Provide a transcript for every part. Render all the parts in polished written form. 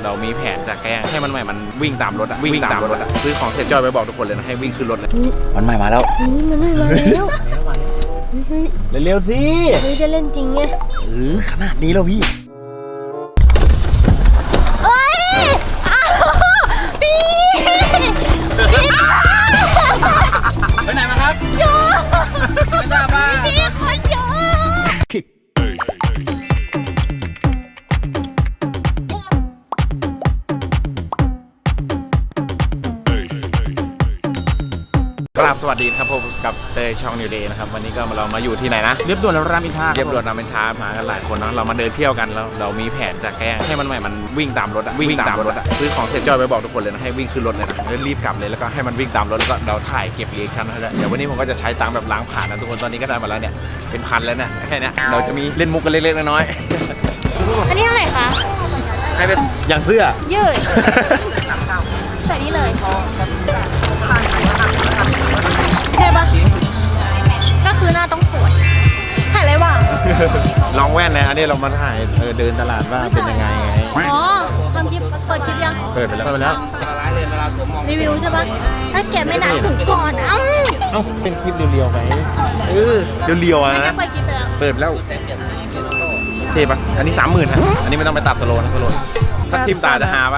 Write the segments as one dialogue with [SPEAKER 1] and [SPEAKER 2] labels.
[SPEAKER 1] เรามีแผนจะแกล้งให้มันใหม่มันวิ่งตามรถอะวิ่งตามรถอะซื้อของเสร็จจอยไปบอกทุกคนเลยนะให้วิ่งขึ้นรถเลยมันใหม่มาแล้ว
[SPEAKER 2] มันไม่มาแล้ว
[SPEAKER 1] เร็วๆสิ
[SPEAKER 2] จะเล่นจริงไง
[SPEAKER 1] ขนาดนี้แล้วพี่ไปไหนมาครับเยอะไม่ทราบว่า
[SPEAKER 2] พี่คนเยอะ
[SPEAKER 1] ครับสวัสดีครับผมกับเตยช่องนิวเดย์นะครับวันนี้ก็เรามาอยู่ที่ไหนนะเรียบด่วนรามอินทราเรียบด่วนรามอินทรามากันหลายคนเนาะเรามาเดินเที่ยวกันแล้วเรามีแผนจะแกล้งให้มันใหม่มันวิ่งตามรถอะวิ่งตามรถอะซื้อของเสร็จจอยไปบอกทุกคนเลยนะให้วิ่งขึ้นรถเลยนะแล้วรีบกลับเลยแล้วก็ให้มันวิ่งตามรถแล้วก็เราถ่ายเก็บรีแอคชั่นให้ด้วยเดี๋ยววันนี้ผมก็จะใช้ตังค์แบบล้างผ่านนะทุกคนตอนนี้ก็ได้มาแล้วเนี่ยเป็นพันแล้วเนี่ยแค่นี้เราจะมีเล่นมุกกันเล็กๆน้อย
[SPEAKER 2] ๆอันนี้เท่าไหร่คะ
[SPEAKER 1] ให้เป็นอย่างเสื้อ
[SPEAKER 2] ยืดใส่นี่เลยใช่ปะก็คือหน้าต้องสวยถ่ายอะไรวะ
[SPEAKER 1] ลองแว่นนะอันนี้เรามาถ่ายเดินตลาดว่าเป็นยังไง
[SPEAKER 2] อ๋อทำคลิปเปิดคลิปยัง
[SPEAKER 1] เปิดไปแล้ว
[SPEAKER 2] รีวิวใช่ปะถ้าแกไม่นานถึงก่อนเอ้า
[SPEAKER 1] เป็นคลิปเรียวๆไหมเรียวๆนะ
[SPEAKER 2] เปิดคลิปไปแล้ว
[SPEAKER 1] เปิดแล้วเท่ปะอันนี้ 30,000ฮะอันนี้ไม่ต้องไปตัดสโลนะสโลถ้าทิมตาจะหาปะ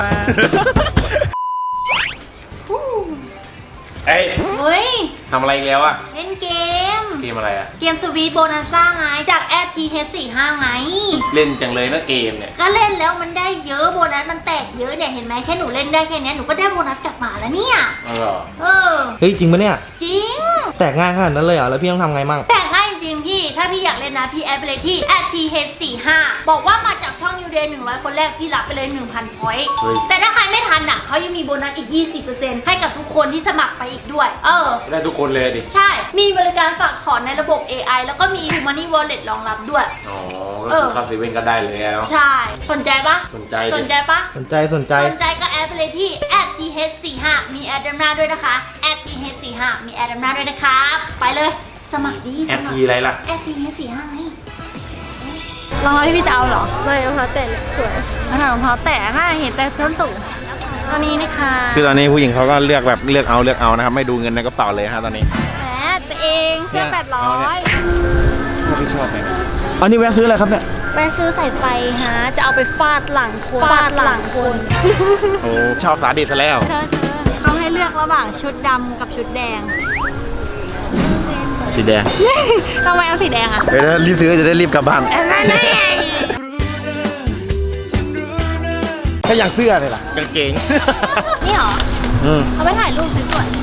[SPEAKER 1] เฮ้ยทำอะไรอีกแล้วอะ
[SPEAKER 2] เล่นเกม
[SPEAKER 1] อะไรอะ
[SPEAKER 2] เกมสวีทโบนัสซ่าไงจากแอด TH45 ไง
[SPEAKER 1] เล่นจังเลยนะเกมเนี่ย
[SPEAKER 2] ก็เล่นแล้วมันได้เยอะโบนัสมันแตกเยอะเนี่ยเห็นไหมแค่หนูเล่นได้แค่นี้หนูก็ได้โบนัสกลับมาแล้วเนี่ย
[SPEAKER 3] เฮ้ยจริงปะเนี่ย
[SPEAKER 2] จริง
[SPEAKER 3] แตกง่ายขนาดนั้นเลยเหรอแล้วพี่ต้องทำไงมั่ง
[SPEAKER 2] แตกง่ายจริงพี่ถ้าพี่อยากเล่นนะพี่แอดไปเลยที่ @TH45 บอกว่ามาจากช่อง New Day 100 คนแรกพี่รับไปเลย 1,000 พอยต์แต่ถ้าใครไม่ทันอ่ะเขายังมีโบนัสอีก 20% ให้กับทุกคนที่สมัครไปอีกด้วย
[SPEAKER 1] ได้ทุกคนเลยดิ
[SPEAKER 2] ใช่มีบริการฝากถอนในระบบ AI แล้วก็มี Money Wallet รองรับด้วย
[SPEAKER 1] ก็คือเข้าเซเว่นก็ได้เลยแล้ว
[SPEAKER 2] ใช่สนใจปะ
[SPEAKER 1] สนใจ
[SPEAKER 2] ปะ
[SPEAKER 3] สนใจ
[SPEAKER 2] ก็แอดไปเลยที่ @TH45 มีแอดดำหน้าด้วยนะคะ @TH45 มีแอดดำหน้าด้วยนะครับไปเลยสมัครดี
[SPEAKER 1] @T อะไรล่ะ
[SPEAKER 2] @TH45 ไงรองเท้าที่พี่จะเอาเหรอไม่รองเท้าแตะสวยรองเท้าแตะน่าเห็นแต่ส้นสูงตอนนี้นะคะ
[SPEAKER 1] คือตอนนี้ผู้หญิงเขาก็เลือกเอานะครับไม่ดูเงินในกระเป๋าเลยฮะตอนนี้
[SPEAKER 2] แหมตัวเองเสื้อ800
[SPEAKER 1] พี่ชอบไหม
[SPEAKER 3] อันนี้แวะซื้ออะไรครับเนี่ย
[SPEAKER 2] แวะซื้อสายไฟฮะจะเอาไปฟาดหลังคน
[SPEAKER 1] โอ้ชอบสาดิสซะแล้ว
[SPEAKER 2] เขาให้เลือกระหว่างชุดดำกับชุดแดง
[SPEAKER 1] สีแดง
[SPEAKER 2] ทำไมเอาสีแดงอ่ะ
[SPEAKER 1] เดี๋ยวรีบซื้อจะได้รีบกลับบ้านถ้าอย่างเสื้อเลยล่ะกางเกง
[SPEAKER 2] นี่หรอเอาไปถ่ายรูปสวย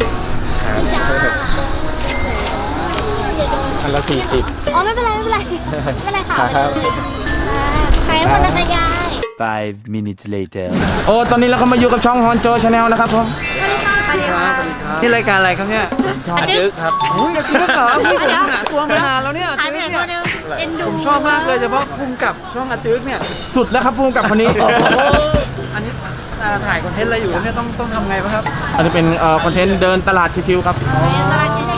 [SPEAKER 1] อันละ40
[SPEAKER 2] อ๋อไม่เป็นไรค่ะใครคนละยาย
[SPEAKER 4] 5 minutes later
[SPEAKER 3] โอ้ตอนนี้เราก็มาอยู่กับช่องฮอนโจชาแนลนะครับผม
[SPEAKER 4] นี่รายการอะไรครับเนี่ย
[SPEAKER 1] ช่องอาจึ๊กครับ
[SPEAKER 4] อาจึ๊กเหรอพี่ผมหาตัวมานานแล้วเนี่ยอาจึ๊กเนี่ยผมชอบมากเลยเฉพาะภูมิกับช่องอาจึ๊กเนี่ย
[SPEAKER 3] สุดแล้วครับภูมิกับคนนี้
[SPEAKER 4] อันนี้ถ่ายคอนเทนต์อะไรอยู่เนี่ยต้องทำไงบ้างครับ
[SPEAKER 3] อันนี้เป็นคอนเทนต์เดินตลาดชิวๆครับ
[SPEAKER 2] ตลาดชิว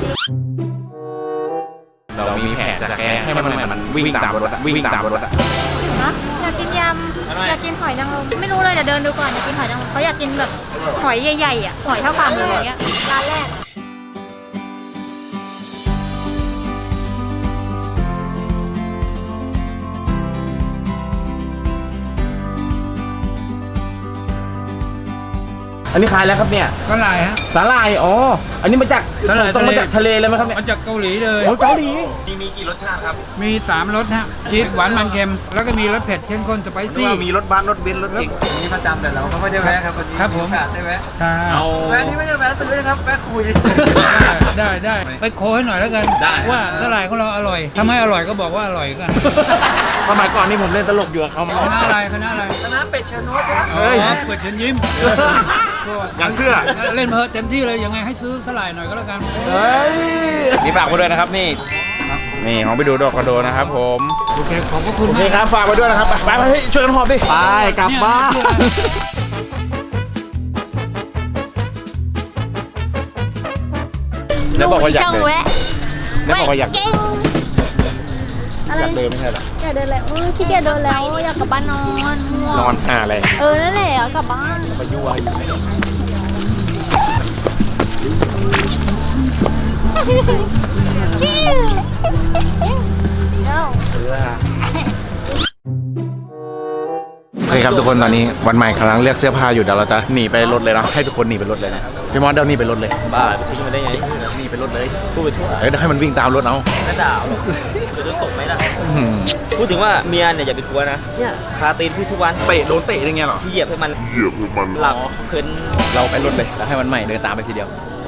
[SPEAKER 1] เรามีแผนจะแกล้งให้มันวิ่งตามรถ
[SPEAKER 2] อยากกินยำอยากกินหอยนางรมไม่รู้เลยเดี๋ยวเดินดูก่อนอยากกินหอยนางรมเขาอยากกินแบบหอยใหญ่ๆอ่ะหอยเท่าฝ่ามืออย่างเงี้ยร้านแรก
[SPEAKER 3] อันนี้ขายแล้วครับเนี่ย
[SPEAKER 4] สาหร่ายฮะ
[SPEAKER 3] สาหร่ายอ๋ออันนี้มาจากต้องมาจากทะเลเลยไหมครับเนี่ย
[SPEAKER 4] มาจากเกาหลีเลย
[SPEAKER 3] โอ้เกาหลี
[SPEAKER 1] มีกี่รสชาติครับ
[SPEAKER 4] มี3รสฮะชีสหวานมันเค็มแล้วก็มีรสเผ็ดเข้มข้นสไปซี่
[SPEAKER 1] มีรสบ้านรสเบนซ์รสเก่ง
[SPEAKER 4] นี่ประจำแต่เราก็ไม่ได้แวะครับวันนี้ครับผมได้แวะแวะนี่ไม่ได้แวะซื้อนะครับแวะคุยได้ไปโค้ให้หน่อยแล้วกันว่าสาหร่ายของเราอร่อยถ้าไม่อร่อยก็บอกว่าอร่อยกัน
[SPEAKER 1] สมัยก่อนนี่ผมเล่นตลกอยู่กับเขา
[SPEAKER 4] คณะอะไรคณะเป็ดเชนโนใช่ไหมเป็ดเชนยิ้ม
[SPEAKER 1] อย่างเสื้อ
[SPEAKER 4] เล่นเพลินเต็มที่เลยยังไงให้ซื้อสลายหน่อยก็แล้วกัน
[SPEAKER 1] นี่ฝากไว้ด้วยนะครับนี่ของไปดูดอกกระโดนะครับผม
[SPEAKER 4] โอเคขอบคุณ
[SPEAKER 1] มากครับฝากไว้ด้วยนะครับไปช่วยกันหอบดิ
[SPEAKER 3] ไปกลับบ้าน
[SPEAKER 1] แล้วบอกว่าอยากเลย
[SPEAKER 2] แล้วบอกว่าอยากอะไร
[SPEAKER 1] อยากเดินไม่ใช่เหรอ
[SPEAKER 2] อยากเดินแล้วขี้เกียจเดินแล้วอยากกลับบ้านนอนง่วง
[SPEAKER 1] นอนหาอะไร
[SPEAKER 2] นั่นแหละอยากกลับบ้าน
[SPEAKER 1] มายั่วอยู่
[SPEAKER 2] เอ้า
[SPEAKER 1] โอเคครับทุกคนตอนนี้วันใหม่กำลังเลือกเสื้อผ้าอยู่เดี๋ยวเราจะหนีไปรถเลยนะให้ทุกคนหนีไปรถเลยนะพี่มอสเดี๋ยวหนีไปรถเลย
[SPEAKER 3] บ้าทิ้งมันได้ไง
[SPEAKER 1] หนีไปรถเลย
[SPEAKER 3] พูดไปทั่ว
[SPEAKER 1] เดี๋ยวให้มันวิ่งตามรถเอา
[SPEAKER 3] ไม่ด่าหรอกจะโดนตกไหมล่ะ
[SPEAKER 1] อื้อหือ
[SPEAKER 3] พูดถึงว่าเมียเนี่ยอย่าไปกลัวนะเนี่ยคาตีนพี่ทุกวัน
[SPEAKER 1] เตะโดนเตะยังไงเหรอ
[SPEAKER 3] พี่เหยียบให้มันหลับเพลิน
[SPEAKER 1] เราไปรถเลยแล้วให้มันใหม่เดินตามไปทีเดียว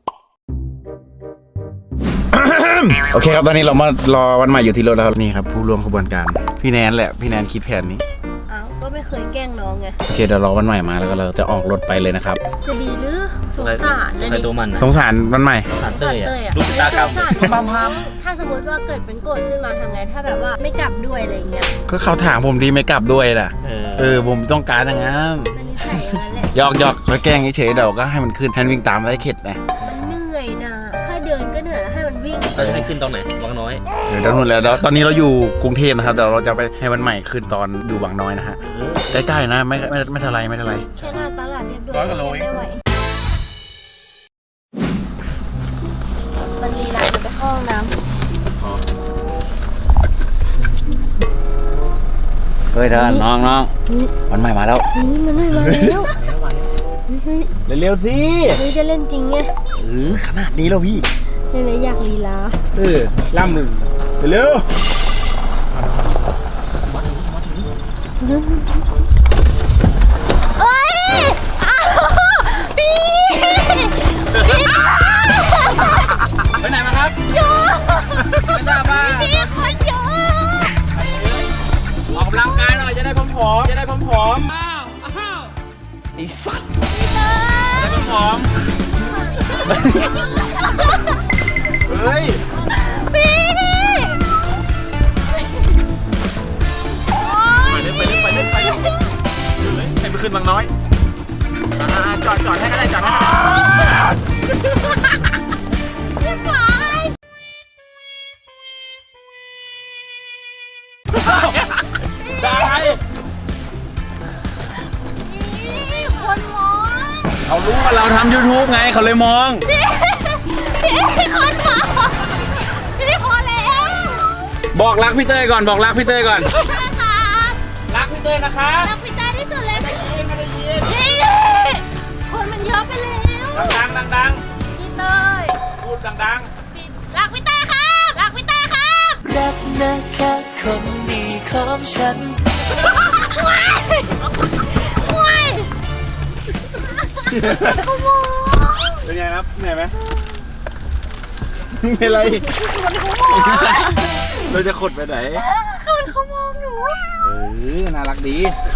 [SPEAKER 1] โอเคครับตอนนี้เรามารอวันใหม่อยู่ที่รถแล้วครับนี่ครับผู้ร่วมขบวนการพี่แนนแหละพี่แนนคิดแผนนี้
[SPEAKER 2] อ้าวก็ไม่เคยแกล้งน้องไง
[SPEAKER 1] โอเคเดี๋ยวรอวันใหม่มาแล้วก็เราจะออกรถไปเลยนะครับ
[SPEAKER 2] จะดีหรือสงสารนะ
[SPEAKER 3] ใคร
[SPEAKER 2] นี่
[SPEAKER 3] ตัวมันนะ
[SPEAKER 1] สงสารวันใหม่
[SPEAKER 3] สารเต้ย
[SPEAKER 2] เต้ย
[SPEAKER 3] อะ
[SPEAKER 2] อะ
[SPEAKER 3] ลูกตากรรม
[SPEAKER 2] สงสารน้องถ้าสมมติว่าเกิดเป็นโกรธขึ้นมาทำไงถ้าแบบว่าไม่กลับด้วยอะไรอย่างเงี้ย
[SPEAKER 1] ก็เขาถามผมดีไม่กลับด้วยน่ะผมต้องการอย่างนั้น
[SPEAKER 2] มันนิสัยอย่างนั้นแหละ
[SPEAKER 1] หยอกแล้วแกล้งเฉยๆเดี๋ยวก็ให้มันขึ้นแทนวิ่งตามไว้เข็ดนะ
[SPEAKER 2] มันเหนื่อยนะแค่เดินก็เหนื่อยแล้วให้มันวิ่ง
[SPEAKER 3] เราจะให้ขึ้นตอนไหนวังน้อย
[SPEAKER 1] เดี๋ยวนู่นแล้วตอนนี้เราอยู่กรุงเทพนะครับเดี๋ยวเราจะไปให้วันใหม่ขึ้นตอนอยู่บางน้อยนะฮะใกล้ๆนะไม่เท่าไรไม่เท่าไร
[SPEAKER 2] แค่หน้าตลาดเรียบด่วน
[SPEAKER 1] 100 กว่าโลเอง
[SPEAKER 2] ไม่ไหวมันลีลาจะไปเข้าห้องน้ำ
[SPEAKER 1] เฮ้ยเธอน้องวันใหม่มาแล้ว
[SPEAKER 2] นี่มันไม่มาแล้วเฮ้ย
[SPEAKER 1] เร็วๆสิ
[SPEAKER 2] เฮ้ยจะเล่นจริงไง
[SPEAKER 1] ขนาดนี้แล้วพี่
[SPEAKER 2] เลยอยากลีลา
[SPEAKER 1] ล่ำหนึ่งเร็ว
[SPEAKER 2] เอ้ยอ้าวพี่พี่
[SPEAKER 1] ไปไหนมาครับ
[SPEAKER 2] เยอะ
[SPEAKER 1] ไม่ทราบว่า
[SPEAKER 2] พี่คนเยอะ
[SPEAKER 1] ออกกำลังกายหน่อยจะได้ผอมๆจะได้ผอม
[SPEAKER 3] ไอ้สัตว์
[SPEAKER 1] ๆจะได้ผอมๆเฮ้ย
[SPEAKER 2] พี่
[SPEAKER 1] ไปเล่นให้มันขึ้นบางน้อยจอดให้ก็ได้จอดให้ก็ได้
[SPEAKER 2] พี่ฝ่าย
[SPEAKER 1] ได้
[SPEAKER 2] พี่คนมอง
[SPEAKER 1] เขารู้ว่าเราทำ YouTube ไงเขาเลยมอง
[SPEAKER 2] พี่คนมองพี่พอแล้ว
[SPEAKER 1] บอกรักพี่เต้ยก่อนบอกรักพี่เต้ยก่อน
[SPEAKER 2] นะคะ
[SPEAKER 1] รักพี่เต้ยนะคะ
[SPEAKER 2] รักพี่ตาที่สุดเลย
[SPEAKER 1] ไม่ได้ยิน
[SPEAKER 2] พี่คนมันเยอะไปแล้ว
[SPEAKER 1] ดัง
[SPEAKER 2] พี่เต้ย
[SPEAKER 1] ๆพูดดัง
[SPEAKER 2] พี่รักพี่เต้ยครับรักพี่เต้ยครับ
[SPEAKER 5] รักนะคะคนดีของฉัน
[SPEAKER 2] ว้ายว้ายขโมย
[SPEAKER 1] ๆเป็นไงครับเหนื่อยไหมไม่เป็นไรเราจะขดไปไหน
[SPEAKER 2] คนเขามองหนู
[SPEAKER 1] น่ารักดี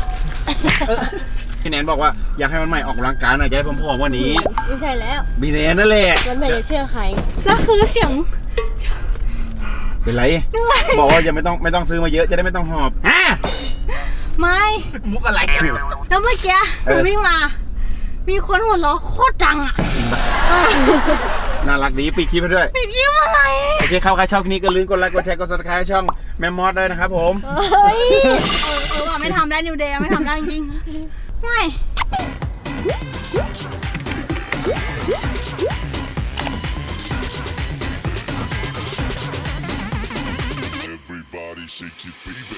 [SPEAKER 1] พี่แนนบอกว่าอยากให้มันใหม่ออกกำลังกายหน่อยจะได้ผอมๆกว่านี้
[SPEAKER 2] ไม่ใช่แล้ว
[SPEAKER 1] บีแนนนั่นแหละ
[SPEAKER 2] มันไม่ได้เชื่อใครก็คือเสียง
[SPEAKER 1] เป็นไร บอกว่าอย่าไม่ต้องซื้อมาเยอะจะได้ไม่ต้องหอบ
[SPEAKER 2] ไม่
[SPEAKER 1] มุกอะไรกัน
[SPEAKER 2] แล้วเมื่อกี้หนูวิ่งมา มีคนหัวเราะโคตรดังอ่ะ
[SPEAKER 1] น่ารักดีปิดคลิปไปด้วย
[SPEAKER 2] ปิดยิ้มอะไร
[SPEAKER 1] โอเคเข้าใครชอบคลิปนี้ก็ลืมกดไลค์กดแชร์กด subscribe ช่องแมมมอสด้วยนะครับผม
[SPEAKER 2] เฮ้ยว่าไม่ทำได้นิวเดย์ไม่ทำได้จริงไม่
[SPEAKER 6] Everybody shake it, baby.